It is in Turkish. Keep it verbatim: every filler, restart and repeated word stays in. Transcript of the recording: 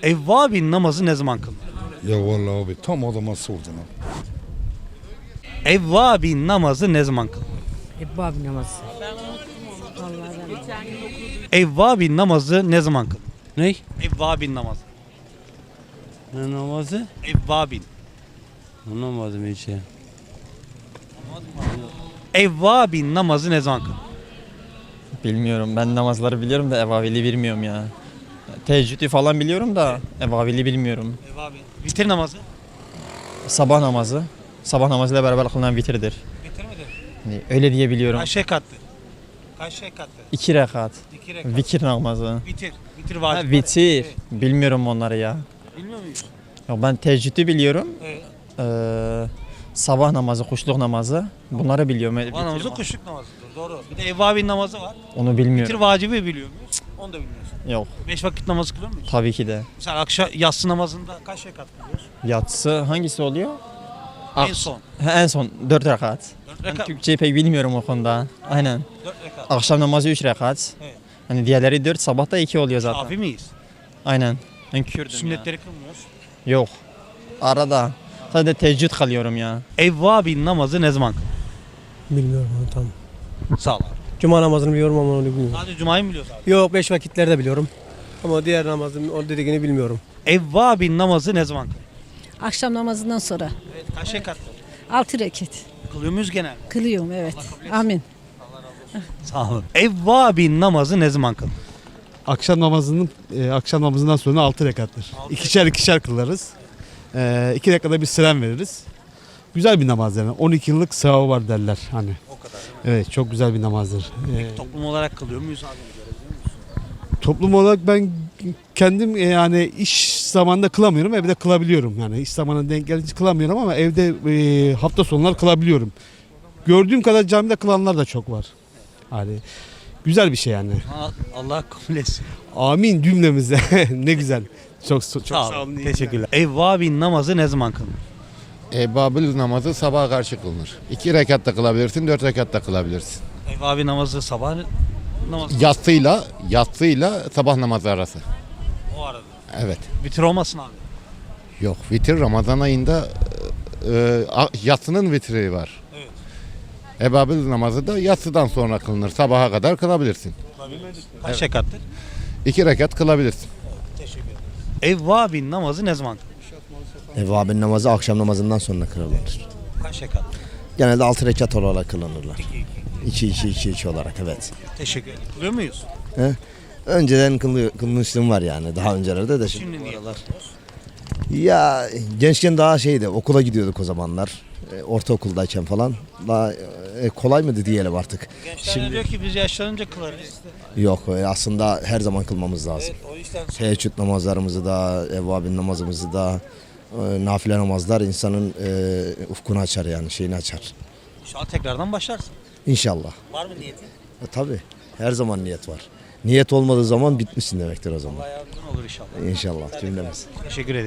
Evvabin namazı ne zaman kılınır? Ya vallahi abi tam adama sordun abi. Evvabin namazı ne zaman kılınır? Ebbab namazı. Evvabin namazı ne zaman kılınır? Ne? Evvabin namazı. Ne namazı? Evvabin. Anlamadım hiç ya. Evvabin namazı ne zaman kılınır? Bilmiyorum. Ben namazları biliyorum da evavili bilmiyorum ya. Teheccüdü falan biliyorum da evavili bilmiyorum. Evvabin. Vitir namazı. Sabah namazı. Sabah namazıyla beraber kılınan vitirdir. Vitir midir? Yani öyle diye biliyorum. Kaç rekattır? Kaç rekattır? İki rekat. İki rekat. Vikir namazı. Vitir. Vitir Ha, vacip. vitir. Evet. Bilmiyorum onları ya. Bilmiyor muyuz? Ya ben teheccüdü biliyorum. Evet. Ee, sabah namazı, kuşluk namazı. Bunları biliyorum. Sabah Vitir namazı ma- kuşluk namazıdır. Doğru. Bir de evvabin namazı var. Onu Vitir bilmiyorum. vacibi biliyor muyuz? Onu da bilmiyorsun. Yok. Beş vakit namazı kılıyor muyuz? Tabii ki de. Mesela akşam yatsı namazında kaç rekat kılıyoruz? Yatsı hangisi oluyor? En Ak- son. Ha, en son dört rekat. Dört Ben rekat. Türkçeyi pek bilmiyorum o konuda. Aynen. Dört rekat. Akşam namazı üç rekat. Evet. Hani diğerleri dört, sabah da iki oluyor zaten. Şafi miyiz? Aynen. Ben Kürdüm Sünnetleri kılmıyoruz. ya. Yok. Arada. Sadece teheccüd kalıyorum ya. Evvabin namazı ne zaman kılınır? Bilmiyorum onu tam. Sağ ol abi. Cuma namazını biliyorum ama onu bilmiyorum. Sadece Cuma'yı mı biliyoruz abi? Yok beş vakitlerde biliyorum. Ama diğer namazın o dediğini bilmiyorum. Evvabin namazı ne zaman kılınır? Akşam namazından sonra Evet. Kaç rekat? altı rekat Kılıyor muyuz genel? kılıyorum, evet. Amin. Sağ olun. Evvabin namazı ne zaman kılınır? Akşam namazının e, akşam namazından sonra altı rekattır. Altı İkişer ikişer kılarız. E, iki dakikada bir selam veririz. Güzel bir namaz yani. on iki yıllık sevabı var derler hani. O kadar. Evet çok güzel bir namazdır. E, Toplum olarak kılıyor muyuz abi? toplum olarak ben kendim e, yani iş zamanında kılamıyorum, evde kılabiliyorum. Yani iş zamanına denk gelince kılamıyorum ama evde e, hafta sonları kılabiliyorum. Gördüğüm kadar camide kılanlar da çok var. Hani güzel bir şey yani. Allah kabul etsin. Amin cümlemize. Ne güzel. Çok çok Sağ, sağ olun. olun. Teşekkürler. Evvabin namazı ne zaman kılınır? Ebabil namazı sabaha karşı kılınır. İki rekat da kılabilirsin, dört rekat da kılabilirsin. Evvabin namazı sabah namazı. Yatsıyla, yatsıyla sabah namazı arası. O arada. Evet. Vitir olmasın abi. Yok, vitir Ramazan ayında e, a- yatsının vitri var. Evet. Ebabil namazı da yatsıdan sonra kılınır. Sabaha kadar kılabilirsin. Kaç rekattır? İki rekat kılabilirsin. Teşekkür ederim. Evvabin namazı ne zaman kılınır? Evvabin namazı akşam namazından sonra kılınır. Kaç rekat? Genelde altı rekat olarak kılınırlar. iki iki iki iki olarak evet. Teşekkür ederim. Kılıyor muyuz? Önceden kılı, kılmışlığım var yani daha öncelerde de. Şimdi. Şimdi niye? Ya gençken daha şeydi okula gidiyorduk o zamanlar. E, ortaokuldayken falan. Daha e, kolay mıydı diyelim artık. Gençler Şimdi- diyor ki biz yaşlanınca kılarız. Yok e, aslında her zaman kılmamız lazım. Evet, o yüzden Teheccüd namazlarımızı da, evvabin namazımızı da, e, nafile namazlar insanın e, ufkunu açar yani şeyini açar. inşallah tekrardan başlarsın. İnşallah. Var mı niyetin? E, tabii her zaman niyet var. Niyet olmadığı zaman bitmişsin demektir o zaman. Allah yardımcın olur inşallah. İnşallah cümlemiz. Teşekkür ederim.